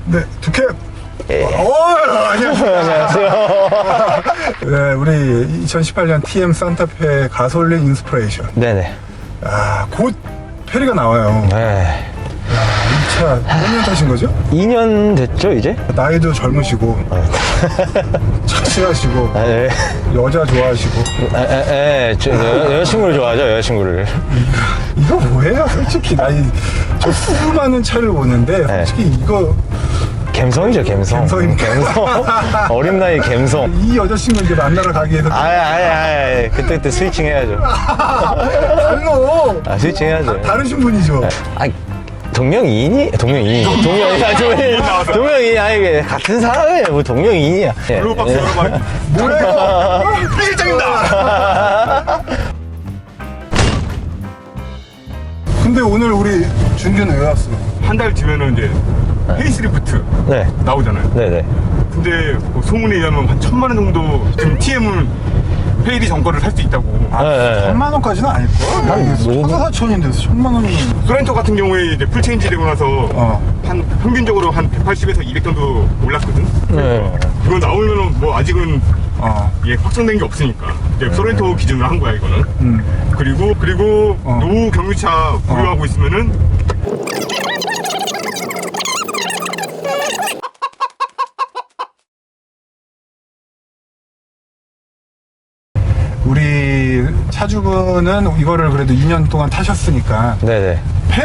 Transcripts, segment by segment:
네, 두캡. 예. 안녕하세요. 안녕하세요. 네, 우리 2018년 TM 산타페 가솔린 인스피레이션. 네네. 아, 곧 페리가 나와요. 네. 이 차 몇 년 타신 거죠? 2년 됐죠, 이제? 나이도 젊으시고, 착실하시고, 아, 네. 여자 좋아하시고. 여자친구를 좋아하죠, 여자친구를. 이거 뭐예요? 솔직히 저 수많은 차를 보는데 솔직히 이거 갬성이죠, 갬성. 갬성입니까? 갬성. 어린 나이 갬성. 이 여자친구 이제 만나러 가기 위해서 그때 스위칭 해야죠. 달로 스위칭 해야죠. 다르신 분이죠. 동명이인이? 동명이인. 이게 같은 사람이에요. 뭐 동명이인이야. 블루박스 열어봐. 뭐예요? 필장입니다. 근데 오늘 우리 준규는 왜 왔어? 한 달 뒤면은 이제 페이스리프트 네. 나오잖아요. 네네. 근데 뭐 소문에 의하면 한 1,000만 원 정도 지금 TM을 페이리 정거를 살 수 있다고. 네. 3만 원까지는 아닐걸? 한 4,4천인데 1,000만 원이면 소렌토 같은 경우에 이제 풀체인지 되고 나서 한 평균적으로 한 180에서 200 정도 올랐거든. 네. 이거 나오면은 뭐 아직은 이게 확정된 게 없으니까 이제 소렌토 기준으로 한 거야 이거는. 그리고 노후 경유차 보유하고 있으면은 우리 차주분은 이거를 그래도 2년 동안 타셨으니까 네네.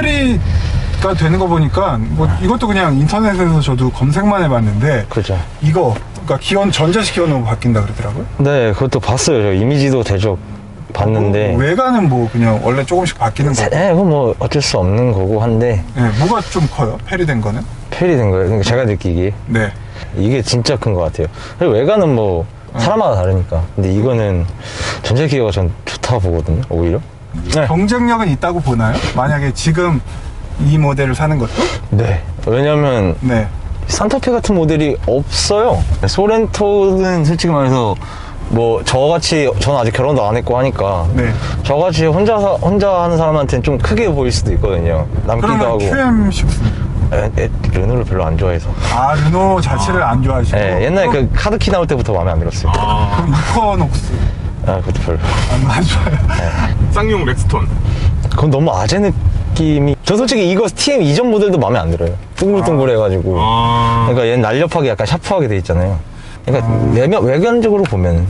페리가 되는 거 보니까 뭐 이것도 그냥 인터넷에서 저도 검색만 해봤는데 그렇죠. 이거 그러니까 기원 전자식 기원으로 바뀐다 그러더라고요. 네, 그것도 봤어요. 저 이미지도 대적 봤는데. 외관은 뭐 그냥 원래 조금씩 바뀌는 거고. 네, 그건 뭐 어쩔 수 없는 거고 한데 네, 뭐가 좀 커요? 페리 된 거는? 페리 된 거예요. 그러니까 제가 느끼기에 네. 이게 진짜 큰 것 같아요. 그리고 외관은 뭐 사람마다 다르니까. 근데 이거는 전자기어가 전 좋다고 보거든요. 오히려. 네. 경쟁력은 있다고 보나요? 만약에 지금 이 모델을 사는 것도? 네. 왜냐면 네. 산타페 같은 모델이 없어요. 소렌토는 솔직히 말해서 뭐 저같이 저는 아직 결혼도 안 했고 하니까 네. 저같이 혼자 하는 사람한테는 좀 크게 보일 수도 있거든요. 남기도 그러면 하고. QM10. 르노를 별로 안 좋아해서. 아, 르노 자체를 안 좋아하시고. 네, 옛날에 그 카드키 나올 때부터 마음에 안 들었어요. 그럼 이코녹스. 그것도 별로. 안 좋아요. 쌍용 렉스톤. 그건 너무 아재 느낌이. 저 솔직히 이거 TM 이전 모델도 마음에 안 들어요. 둥글둥글해가지고. 그러니까 얘는 날렵하게 약간 샤프하게 돼 있잖아요. 그러니까 외관적으로 보면.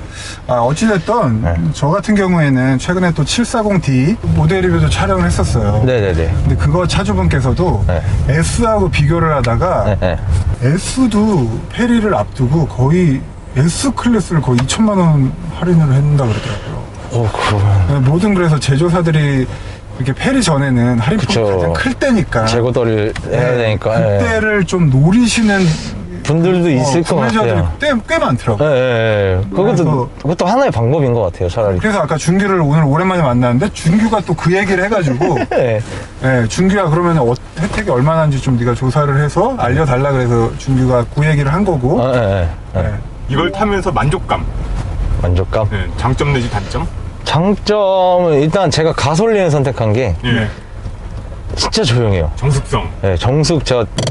어찌됐든 저 같은 경우에는 최근에 또 740D 모델 리뷰도 촬영을 했었어요. 네네네. 근데 그거 차주분께서도 네. S하고 비교를 하다가 네. S도 페리를 앞두고 거의 S 클래스를 거의 2천만 원 할인을 한다 그러더라고요. 그러면. 모든 그래서 제조사들이 이렇게 페리 전에는 할인폭이 그쵸. 가장 클 때니까 재고떨이를 해야 되니까. 그때를 좀 노리시는 분들도 있을 것 구매자들이 같아요. 꽤 많더라고요. 그것도 하나의 방법인 것 같아요, 차라리. 그래서 아까 준규를 오늘 오랜만에 만났는데 준규가 또 그 얘기를 해가지고 네. 준규야 그러면 혜택이 얼마나인지 좀 네가 조사를 해서 알려달라 그래서 준규가 그 얘기를 한 거고. 네. 이걸 타면서 만족감. 만족감? 네, 장점 내지 단점? 장점은 일단 제가 가솔린을 선택한 게 예. 진짜 조용해요. 정숙성. 네, 정숙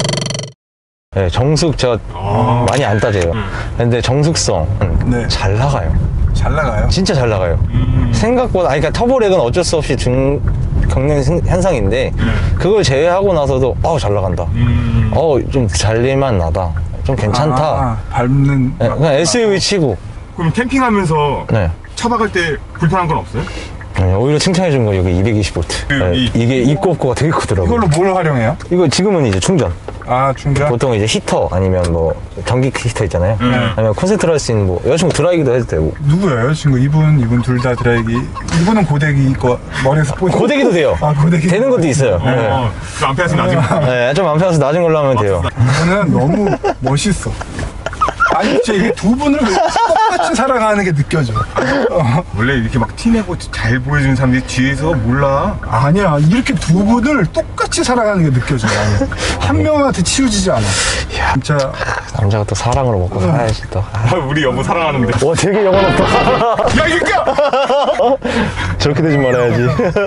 제가 많이 안 따져요. 근데 정숙성은 네. 잘 나가요. 잘 나가요. 진짜 잘 나가요. 생각보다, 그러니까 터보렉은 어쩔 수 없이 겪는 현상인데, 그걸 제외하고 나서도, 잘 나간다. 좀 잘릴만 나다. 좀 괜찮다. 밟는. 네, 그냥 SUV 치고. 그럼 캠핑하면서 네. 차 박을 때 불편한 건 없어요? 오히려 칭찬해준 거, 여기 220V. 이게 있고 없고가 되게 크더라고요. 이걸로 뭘 활용해요? 이거 지금은 이제 충전. 충전? 보통 이제 히터 아니면 뭐 전기 히터 있잖아요. 아니면 콘센트로 할 수 있는 뭐 여자친구 드라이기도 해도 되고. 누구예요? 여자친구 이분 둘 다 드라이기. 이분은 고데기 거 머리에서 뽑고. 고데기도 돼요. 고데기. 되는 것도 있어요. 좀 안 패서 나중에. 네, 좀 안 편해서 낮은 걸로 하면 돼요. 이거는 너무 멋있어. 아니 진짜 이게 두 분을 똑같이 살아가는 게 느껴져. 원래 이렇게 막 티내고 잘 보여주는 사람들이 뒤에서 몰라. 아니야, 이렇게 두 분을 똑같이 살아가는 게 느껴져. 나는. 한 명한테 치우지지 않아. 진짜 남자가 또 사랑으로 먹고 살아야지 또. 우리 여보 사랑하는데. 와, 되게 영혼 없다. 야, 이거! 저렇게 되지 말아야지.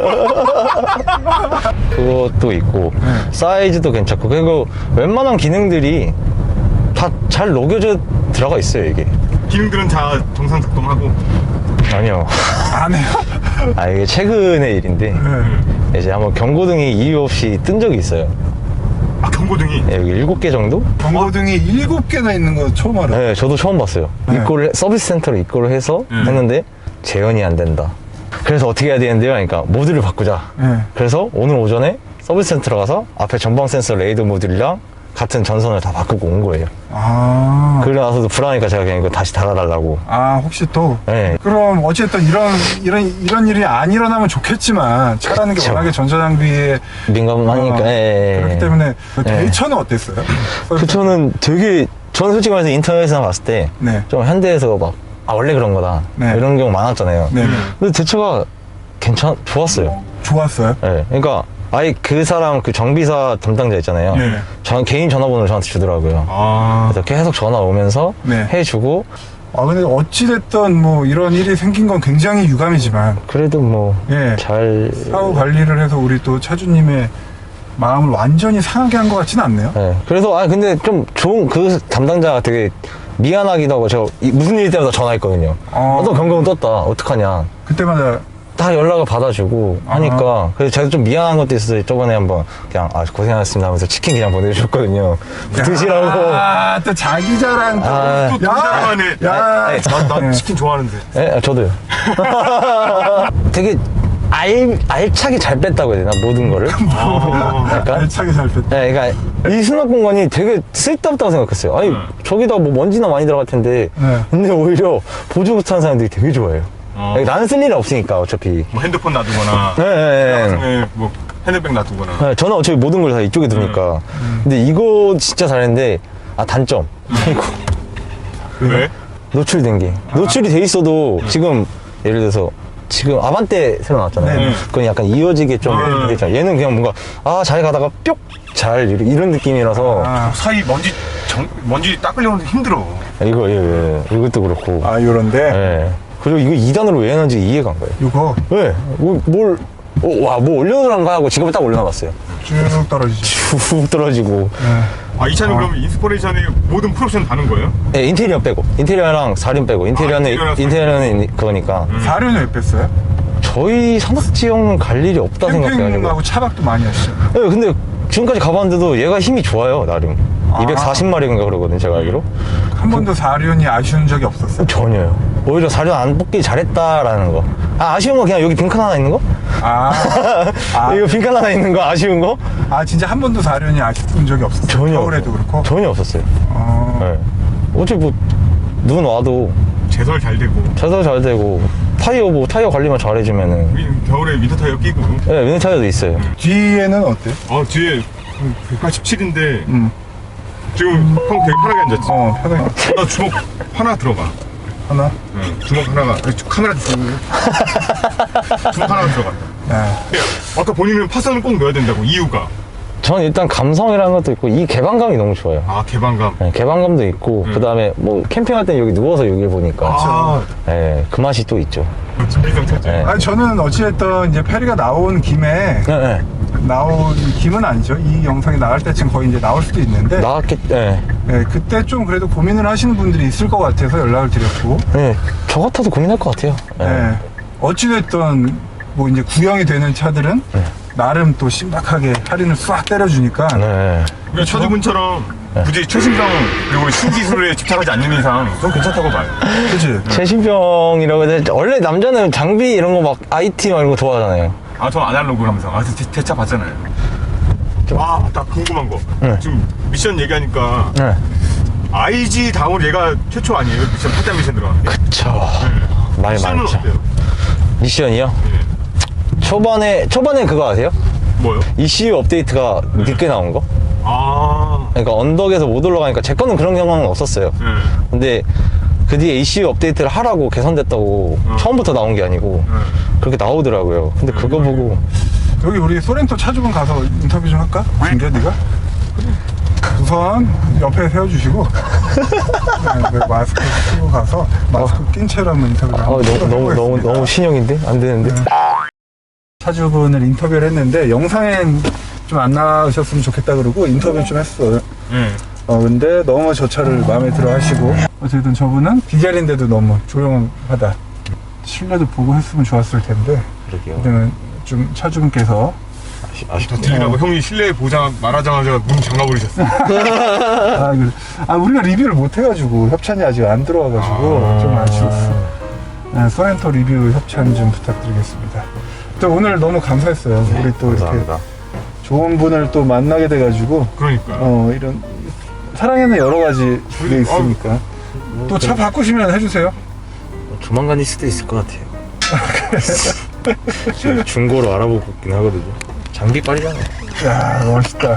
그것도 있고, 사이즈도 괜찮고, 그리고 웬만한 기능들이 다 잘 녹여져 들어가 있어요, 이게. 기능들은 다 정상작동하고. 아니요. 안 해요. 아, 이게 최근의 일인데, 네. 이제 한번 경고등이 이유 없이 뜬 적이 있어요. 아, 경고등이. 예, 여기 7개 정도? 경고등이 7개나 있는 거 처음 알아. 네, 저도 처음 봤어요. 네. 입고를, 서비스 센터로 입고를 해서 했는데, 재현이 안 된다. 그래서 어떻게 해야 되는데요? 그러니까, 모듈을 바꾸자. 네. 그래서 오늘 오전에 서비스 센터로 가서 앞에 전방 센서 레이더 모듈이랑 같은 전선을 다 바꾸고 온 거예요. 아. 그래 나서도 불안하니까 제가 그냥 이거 다시 달아달라고. 아, 혹시 또? 네. 그럼 어쨌든 이런 일이 안 일어나면 좋겠지만 차라는 게 그쵸. 워낙에 전자장비에 민감하니까. 예, 예. 그렇기 때문에 예. 대처는 어땠어요? 그 저는 되게, 저는 솔직히 말해서 인터넷에서 봤을 때 좀 네. 현대에서 막, 아, 원래 그런 거다. 네. 이런 경우 많았잖아요. 네. 근데 대처가 좋았어요. 좋았어요? 예. 그러니까 아예 그 사람 그 정비사 담당자 있잖아요. 네. 개인 전화번호를 저한테 주더라고요. 아. 그래서 계속 전화 오면서 네. 해주고, 아, 근데 어찌됐든 뭐 이런 일이 생긴 건 굉장히 유감이지만 그래도 뭐, 예. 잘. 사후 관리를 해서 우리 또 차주님의 마음을 완전히 상하게 한 것 같지는 않네요. 예. 그래서, 아, 근데 좀 좋은, 그 담당자가 되게 미안하기도 하고, 제가 무슨 일 때마다 전화했거든요. 어떤 경고는 떴다. 어떡하냐. 그때마다 다 연락을 받아주고 하니까. 그래서 제가 좀 미안한 것도 있어서 저번에 한번 그냥, 아, 고생하셨습니다 하면서 치킨 그냥 보내주셨거든요. 드시라고. 아, 또 자기 자랑 또. 아. 또 자랑하네. 야, 난 치킨 좋아하는데. 예, 저도요. 되게 알차게 잘 뺐다고 해야 되나? 모든 거를. 약간? 알차게 잘 뺐다. 네, 그러니까 이 수납 공간이 되게 쓸데없다고 생각했어요. 아니, 저기다 뭐 먼지나 많이 들어갈 텐데. 네. 근데 오히려 보조 못하는 사람들이 되게 좋아해요. 나는 쓸 일이 없으니까, 어차피. 뭐 핸드폰 놔두거나. 네, 네, 네. 네, 뭐 핸드백 놔두거나. 네, 저는 어차피 모든 걸 다 이쪽에 두니까. 근데 이거 진짜 잘했는데, 아, 단점. 이거 왜? 노출된 게. 노출이 돼 있어도 지금, 예를 들어서, 지금 아반떼 새로 나왔잖아요. 네. 그건 약간 이어지게 좀 되잖아요. 얘는 그냥 뭔가, 아, 잘 가다가 뿅! 잘, 이런 느낌이라서. 아, 사이 먼지 닦으려는데 힘들어. 이것도 그렇고. 아, 요런데. 예. 그리고 이거 2단으로 왜 해놨는지 이해가 안 가요. 요거 왜? 뭐 올려놓으란가 하고 지금은 딱 올려놔봤어요. 쭉 떨어지죠. 쭉 떨어지고. 아, 이 차는 그럼 인스포레이션에 모든 풀옵션 다는 거예요? 예, 인테리어 빼고. 인테리어랑 사륜 빼고. 인테리어는 그거니까. 사료는 왜 뺐어요? 저희 산악지형은 갈 일이 없다 생각해가지고. 캠핑하고 차박도 많이 하시죠. 예, 근데 지금까지 가봤는데도 얘가 힘이 좋아요, 나름. 240마력인가 그러거든, 제가 알기로. 한 번도 사륜이 아쉬운 적이 없었어요. 전혀요. 오히려 사륜 안 뽑기 잘했다라는 거. 아, 아쉬운 거 그냥 여기 빈칸 하나 있는 거? 아, 아, 이거 빈칸 하나 있는 거 아쉬운 거? 아, 진짜 한 번도 사륜이 아쉬운 적이 없었어요. 전혀. 겨울에도 그렇고. 전혀 없었어요. 어, 네. 어차피 뭐, 눈 와도 제설 잘 되고. 차도 잘 되고, 타이어 관리만 잘해주면은. 겨울에 윈터 타이어 끼고. 네, 윈터 타이어도 있어요. 뒤에는 어때요? 뒤에 187인데 음. 지금 형 되게 편하게 앉았지. 편하게. 나 주먹 하나 들어가. 하나? 응, 주먹 하나가 카메라 주고 주먹 하나가 들어가. 네. 아까 본인은 파선을 꼭 넣어야 된다고 이유가. 전 일단 감성이라는 것도 있고, 이 개방감이 너무 좋아요. 아, 개방감. 네, 개방감도 있고, 그 다음에 뭐, 캠핑할 땐 여기 누워서 여기를 보니까. 아, 네, 그 맛이 또 있죠. 준비성 철저. 네. 아니, 저는 어찌됐든 이제 페리가 나온 김에, 네, 김은 아니죠. 이 영상이 나갈 때쯤 거의 이제 나올 수도 있는데. 네. 네, 그때 좀 그래도 고민을 하시는 분들이 있을 것 같아서 연락을 드렸고. 네, 저 같아도 고민할 것 같아요. 네. 어찌됐든 뭐 이제 구형이 되는 차들은 나름 또 신박하게 할인을 싹 때려주니까. 네. 그러니까 차주분처럼 굳이 최신성 그리고 신기술에 집착하지 않는 이상 좀 괜찮다고 봐요. 그치? 최신병이라고 해서, 원래 남자는 장비 이런 거 막 IT 막 이런 거 좋아하잖아요. 아, 저 아날로그 하면서 대차 봤잖아요. 아, 나 궁금한 거. 네. 지금 미션 얘기하니까 네. IG 다음으로 얘가 최초 아니에요? 미션 8단 미션 들어갔는데. 그쵸. 말 미션은 많죠. 어때요? 미션이요? 네. 초반에 그거 아세요? 뭐요? ECU 업데이트가 늦게 나온 거? 아, 그러니까 언덕에서 못 올라가니까 제 거는 그런 경험은 없었어요. 네. 근데 그 뒤에 ECU 업데이트를 하라고 개선됐다고 처음부터 나온 게 아니고 그렇게 나오더라고요. 근데 그거 보고 여기 우리 소렌토 차주분 가서 인터뷰 좀 할까? 준규야 네가? 우선 옆에 세워주시고 네, 마스크 쓰고 가서 마스크 낀 채로 한번 인터뷰를 너무 신형인데? 안 되는데? 차주분을 인터뷰를 했는데 영상엔 좀 안 나오셨으면 좋겠다 그러고 인터뷰 좀 했어요. 근데 너무 저 차를 마음에 들어 하시고 어쨌든 저분은 디젤인데도 너무 조용하다. 실내도 보고 했으면 좋았을 텐데 그러게요. 그때는 좀 차주분께서 더 틀리라고 형이 실내 보자 말하자마자 문 잠가버리셨어. 우리가 리뷰를 못 해가지고 협찬이 아직 안 들어와가지고 좀 아쉬웠어. 네, 소렌토 리뷰 협찬 좀 부탁드리겠습니다. 또 오늘 너무 감사했어요. 우리 또 감사합니다. 이렇게 좋은 분을 또 만나게 돼가지고 그러니까. 이런 사랑에는 여러 가지 게 있으니까 또 차 바꾸시면 해주세요. 조만간일 수도 있을 것 같아요. 지금 중고로 알아보고 있긴 하거든요. 장비 빨리잖아. 야 멋있다.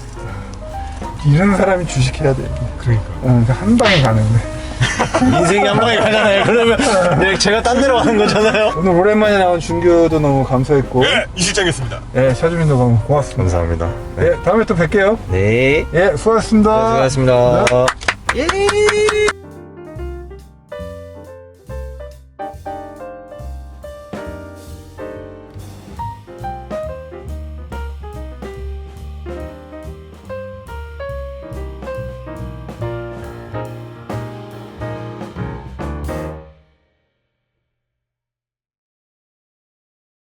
이런 사람이 주식해야 돼. 그러니까. 한 방에 가는데. 인생이 한 방에 가잖아요. 그러면 제가 딴 데로 가는 거잖아요. 오늘 오랜만에 나온 준규도 너무 감사했고. 네, 이 실장이었습니다. 예, 차주민도 너무 고맙습니다. 감사합니다. 예, 다음에 또 뵐게요. 네. 예, 수고하셨습니다. 수고하셨습니다. 네. 예.